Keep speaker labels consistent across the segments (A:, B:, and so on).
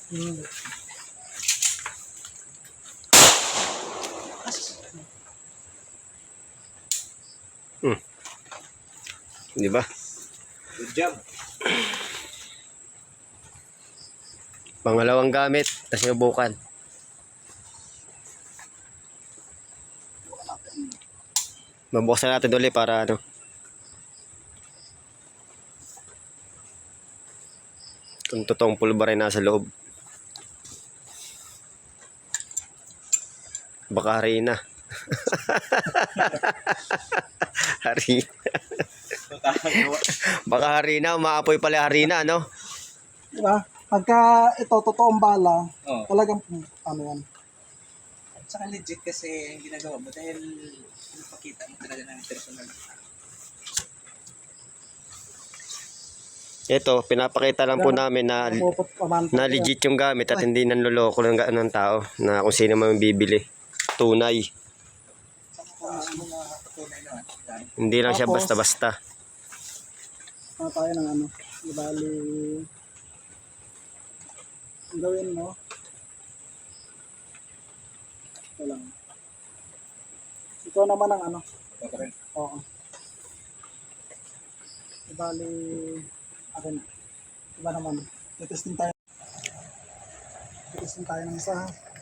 A: Hmm.
B: Di ba?
C: Good job.
B: Pangalawang gamit, tapos sinubukan. Mabuksan natin ulit para ano. Kung totoong pulbar ay nasa loob. Baka harina. Harina. Baka harina, umaapoy pala harina, no?
A: Diba? Pagka ito, totoong bala,
C: Oo.
A: talagang, ano yan.
C: At saka legit kasi yung ginagawa mo dahil napakita mo talaga ng personal.
B: Ito, pinapakita lang po namin na legit yung gamit at hindi nanloloko ng tao na kung sino man bibili. Tunay.
C: Tunay naman.
B: Hindi lang siya
A: Tapos,
B: basta-basta.
A: Ano tayo ng ano, di bali, ang gawin mo, ito lang. Ikaw naman ang ano, oo. Di bali, akin, iba naman, testing tayo. Testing tayo ng isa.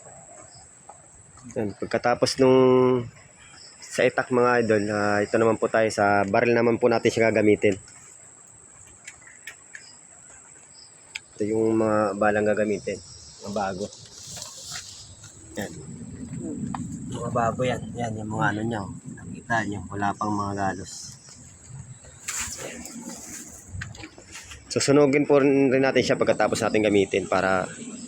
B: Yan, pagkatapos nung sa itak mga idol, ito naman po tayo sa baril naman po natin siya gagamitin. Ito yung mga balang gagamitin. Mga bago. Yan. Mga bago yan. Yan yung mga ano nyo. Nakita nyo. Wala pang mga galos. Susunugin po rin natin siya pagkatapos natin gamitin para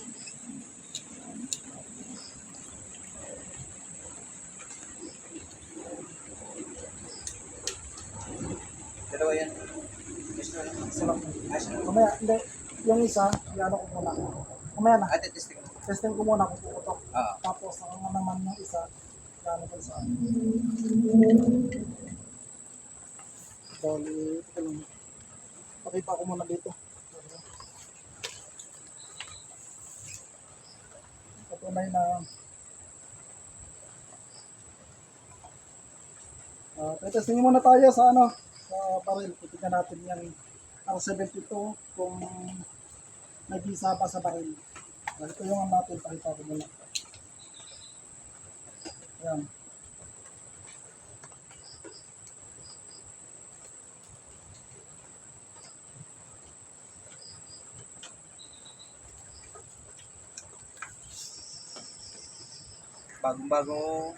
C: Dalawa yan.
A: Mamaya, hindi, yung isa, ano ko muna. Mamaya na,
C: Ate, testing mo.
A: testing ko muna kung puputok.
C: Oo.
A: Tapos, ang naman yung isa, ano ko sa akin. Bali, ito lang. Pakita ko muna dito. Patunay na testingin muna tayo sa ano, sa baril. Titignan natin yung R72 kung nag-isa pa sa baril. Ito yung natin, pakita ko muna. Ayan.
C: Bagong-bago.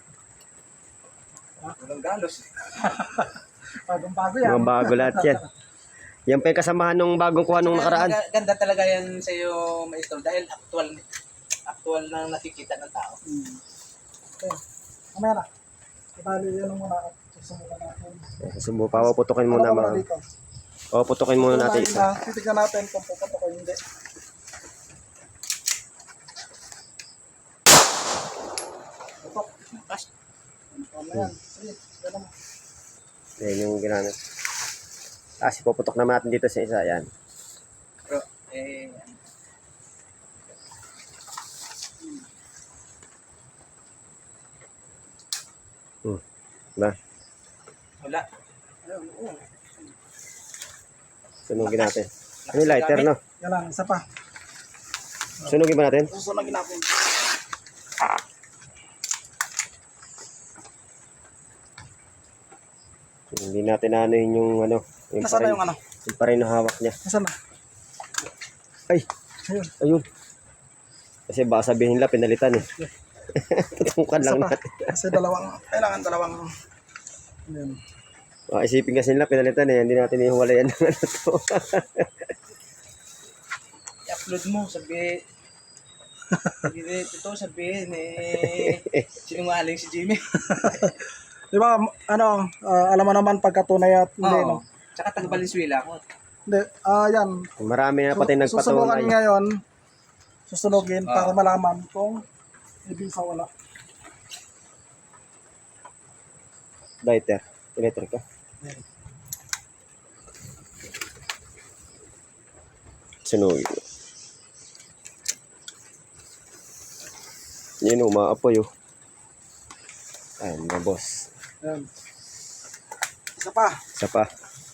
C: Walang galos.
A: Bagong-bago yan.
B: mga bago lahat yan. Yan pa yung kasamahan nung bagong kuha nung nakaraan.
C: Ganda talaga yan sa iyo, maestro, dahil actual na nakikita ng tao.
A: Okay. Mamaya na. Ibali yan muna at susunod natin.
B: Subo, papaputukin muna mga.
A: dito.
B: Papaputukin muna natin isa.
A: Titignan natin kung puputok o hindi. Putok. Mamaya. Sige. Yan naman.
B: Yan yung ginamit. Ipuputok naman natin dito sa isa. Yan.
C: Pero,
B: Diba?
C: wala.
A: Ayun, oo.
B: Sunugin natin. Ano yung lighter, no?
A: Yan lang, isa pa.
B: Sunugin ba natin?
A: Susunogin natin.
B: Hindi natin anuhin yung ano. Yung
A: Nasaan na yung ano?
B: Yung pa rin na hawak niya.
A: Nasaan na?
B: Ay!
A: Ayun.
B: Ayun. Kasi baka sabihin nila pinalitan eh. Tutukan lang
A: Isa pa.
B: natin.
A: Kasi kailangan dalawang. Ayun.
B: Isipin kasi nila pinalitan eh. Hindi natin ihuwalayan ng ano to.
C: I-upload mo, sabihin, sabihin sinungaling si Jimmy.
A: Di ba, ano, alam mo naman pagkatunay at hindi,
C: Oo.
A: no?
C: Tsaka taga Valenzuela ako.
A: Hindi, yan.
B: Marami na pati
A: Susubukan
B: nagpatunay.
A: ngayon, susunogin
C: Oo.
A: para malaman kung ibig sa wala.
B: Lighter. Electric ka. Sunugin. Yun, umaapoy oh. Ayan, mga boss.
A: Ayan. Isa pa.
B: Isa pa.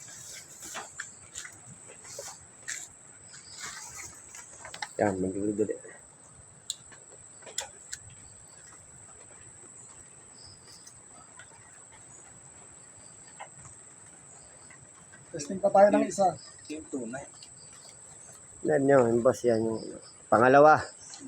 B: Yan, magduduli.
A: Testing pa tayo ng isa.
C: Yung tunay.
B: Yan yun, boss. Yan yung pangalawa.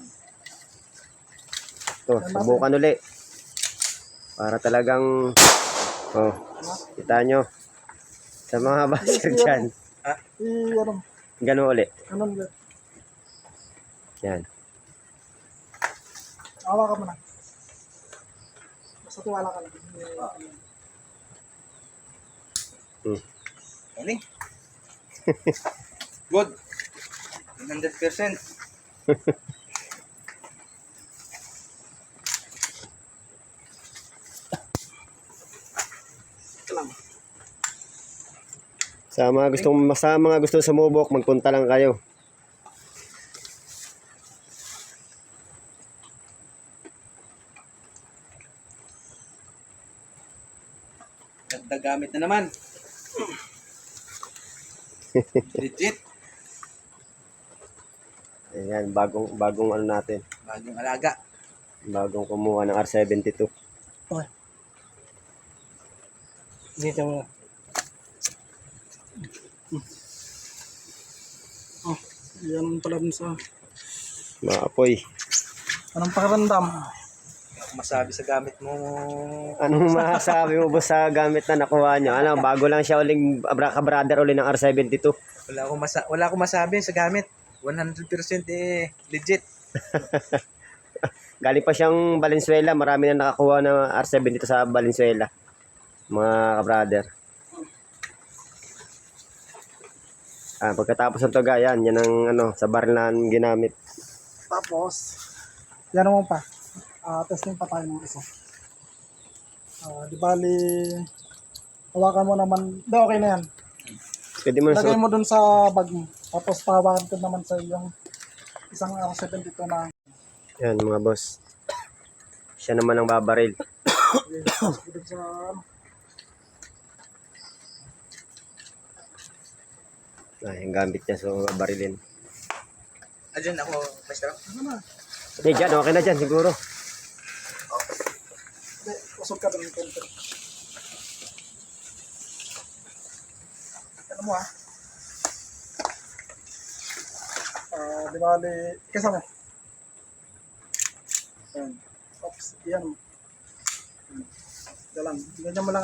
B: Ito, subukan uli. Para talagang, oh, kita nyo. Sa mga basher dyan.
A: Ano?
B: Ganun uli.
A: Ano ulit?
B: Yan.
A: Awa ka muna. Basta tiwala ka lang.
C: Galing. Good. 100%.
B: Sa mga gustong sumubok, magpunta lang kayo.
C: Dagdag gamit na naman. Legit.
B: Ayan, bagong ano natin.
C: Bagong alaga.
B: Bagong kumuha ng R72.
C: Dito mo.
A: Oh, yan pala dun sa...
B: Maapoy.
A: Anong pakiramdam?
C: Hindi ako masabi sa gamit mo.
B: Anong masasabi mo ba sa gamit na nakuha nyo? Ano, bago lang siya uling brother uli ng R72.
C: Wala akong masabi sa gamit. 100% legit.
B: Galing pa siyang Valenzuela. Marami na nakakuha ng R72 sa Valenzuela. Mga kabrother. Pagkatapos ng toga, yan ang ano, sa bar na ginamit.
A: Tapos, yan naman pa. Testing pa tayo ng isa. Di bali, hawakan mo naman. Di, okay na yan.
B: Pwede mo na
A: Lagay mo dun sa bag mo. Tapos pahawakan ko naman sa yung isang R72 na.
B: Yan mga boss. Siya naman ang babaril.
A: Dun sa ano.
B: Yung gamit niya, so barilin.
C: Diyan ako, maestro.
A: Ano na?
B: Hindi, dyan. Okay na dyan, siguro.
A: Hindi, usog ka dun. Ano mo di bali, kasama. Ayan. Oops, yan. Dalang, ganyan mo lang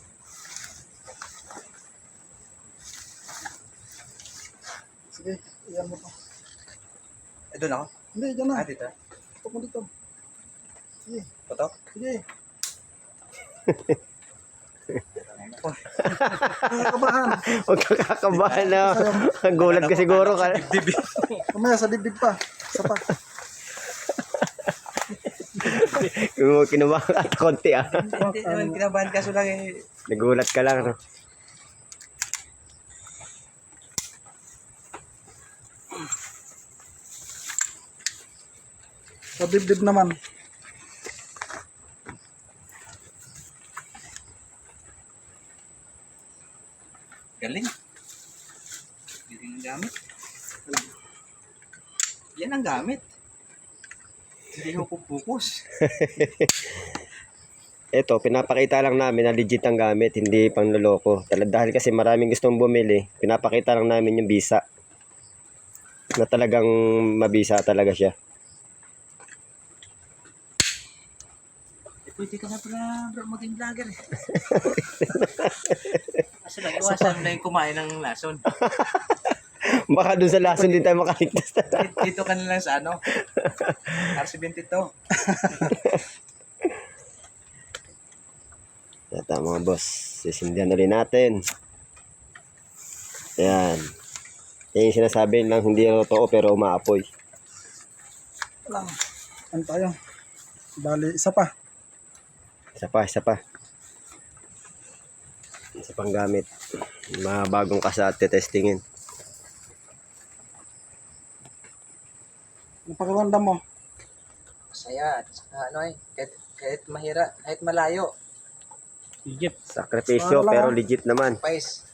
A: Sige, iyan mo to.
C: Doon ako?
A: Hindi, dyan na.
C: Dito.
A: Tutok mo dito. Sige,
C: Putok?
A: sige. Nakakabahan.
B: Huwag kang kakabahan na. Gulat ka siguro.
A: Mamaya sa dibdib pa. Isa pa.
B: Kinubahan ka konti
C: Hindi naman kinabahan kaso lang
B: Nagulat ka lang. No?
A: Sa dibdib naman.
C: galing. Galing ang gamit. Yan ang gamit. Hindi ko pupukus.
B: Ito, pinapakita lang namin na legit ang gamit, hindi pang loloko. Dahil kasi maraming gustong bumili, pinapakita lang namin yung bisa. Na talagang mabisa talaga siya.
C: Pwede ka na pala bro, maging vlogger eh. Kasi nag-iwasan na yung kumain ng lason.
B: Baka dun sa lason din tayo makaligtas.
C: Dito ka na lang sa ano, RC22.
B: Ito mga boss, sisindihan ulit natin. Ayan. Yan yung sinasabi lang, hindi totoo pero umaapoy.
A: Lang. Ano tayo? Bali, isa pa.
B: Isa pa. Isa pang gamit. Mga bagong kasa at testingin.
A: Napakiramdam mo.
C: Masaya. At saka ano kahit mahirap, kahit malayo.
A: Legit.
B: Sakripisyo
A: Para lang,
B: pero
A: ah.
B: legit naman.
C: Pais.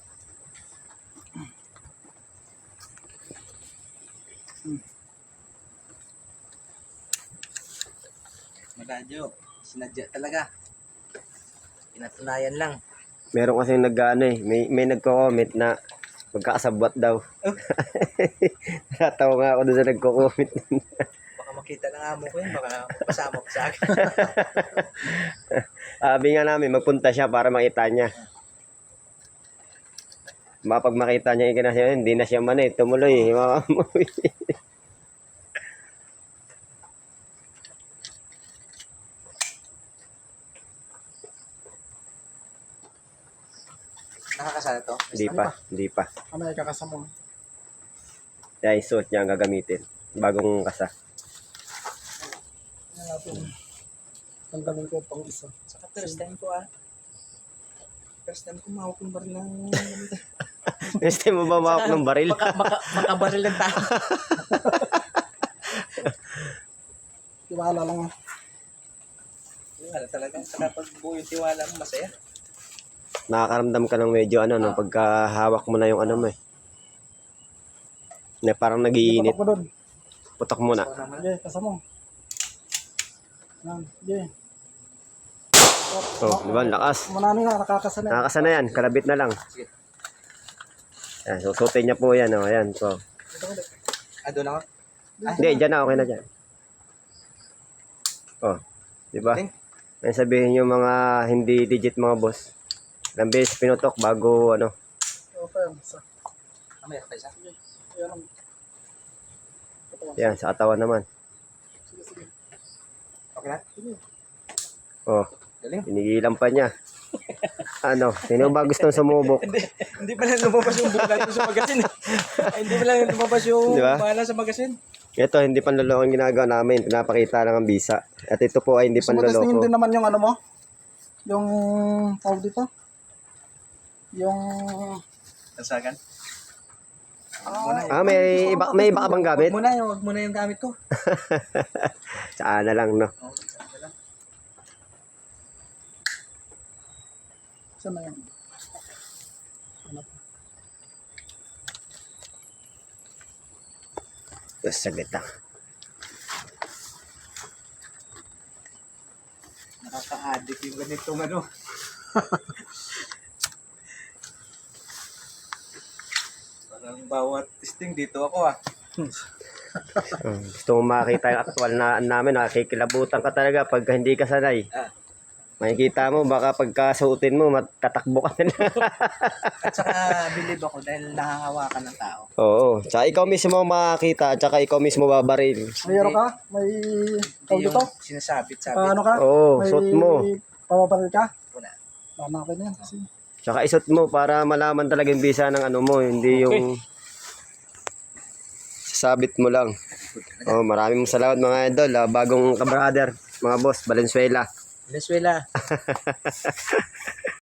C: Maradyo. Sinadya talaga. Pinatunayan lang.
B: Meron kasi nag-ano eh, may nagko-comment na magkakasabwat daw. Natawa nga ako doon sa nagko-comment.
C: Baka makita ng amo ko yun. Baka pasama ko sa akin.
B: Sabi nga namin, magpunta siya para makita niya. Mapag makita niya ikinasya, hindi na siya man eh, tumuloy. Mamamuwi.
C: Nakakasana to.
B: Hindi pa.
A: Ano ay kakasama mo?
B: Kaya yung suot niya ang gagamitin. Bagong kasa.
A: Ano natin? Tanggalin ko pang isa.
C: Saka first time ko First time ko mahawak ng baril ng...
B: Next time mo ba mawak ng baril?
C: Makabaril ng tao.
A: Tiwala lang ah.
C: Wala talaga. Saka pag buo yung tiwala mo, masaya.
B: Nakakaramdam ka ng medyo ano, no, pagkahawak mo na yung ano mo eh. Na parang nagiinit.
A: Patok mo doon.
B: Putok mo na.
C: So, naman.
A: Sige, kasama mo. Yan, sige.
B: Oh, di ba? Lakas.
A: Manano na, nakakasanay.
B: Nakakasana yan. Kalabit na lang.
C: Sige.
B: Yan, susutin niya po yan. Oh, ayan. So,
C: Doon ako.
B: hindi, dyan na. Okay na dyan. Oh, di ba?
C: Galing.
B: May sabihin yung mga hindi digit mga boss. Ilang beses pinutok bago ano.
A: Okay, isa.
C: Mamaya pa isa.
A: Sige, yan ang. Ito,
B: Yan, sa katawan naman.
A: sige, sige.
C: Okay na?
A: Sige.
B: Oh,
C: Galing.
B: tinigilan pa niya. Ano, sino ba gustong sumubok?
C: Hindi pala lumabas yung book natin sa magasin. Hindi pala lumabas yung
B: Di ba?
C: bahala sa magasin.
B: Ito, hindi panloloko ang ginagawa namin. Pinapakita lang ang bisa. At ito po ay hindi
A: Gusto mo testingin
B: panloloko.
A: din naman yung ano mo? Yung tawag dito? Yung
C: Tansagan.
B: May iba ka bang gamit?
C: Wag muna yung gamit ko.
B: Saan na lang, no?
C: Oh, saan lang.
A: saan na yan? Ano?
B: Tapos saglit lang.
C: Nakaka-addict yung ganitong ano. Parang bawat testing dito ako
B: Gusto mo makita yung actual na namin, nakikilabutan ka talaga pag hindi ka sanay.
C: Ah.
B: Makikita mo, baka pagkasuotin mo, matatakbo ka na.
C: At saka believe ako dahil nahahawakan ng tao.
B: Oo. Tsaka ikaw mismo makakita, at saka ikaw mismo babaril.
A: Mayroon ka? May tawag
C: Hindi
A: dito?
C: yung sinasabit-sabit.
A: Paano ka?
B: Oo,
A: May
B: suot mo.
A: papabaril ka?
C: Wala.
A: Hanapin na yan. Kasi
B: Tsaka isot mo para malaman talaga yung bisa ng ano mo, hindi yung sasabit mo lang. Oh, maraming salamat mga idol, bagong kabrader, mga boss, Valenzuela.
C: Venezuela.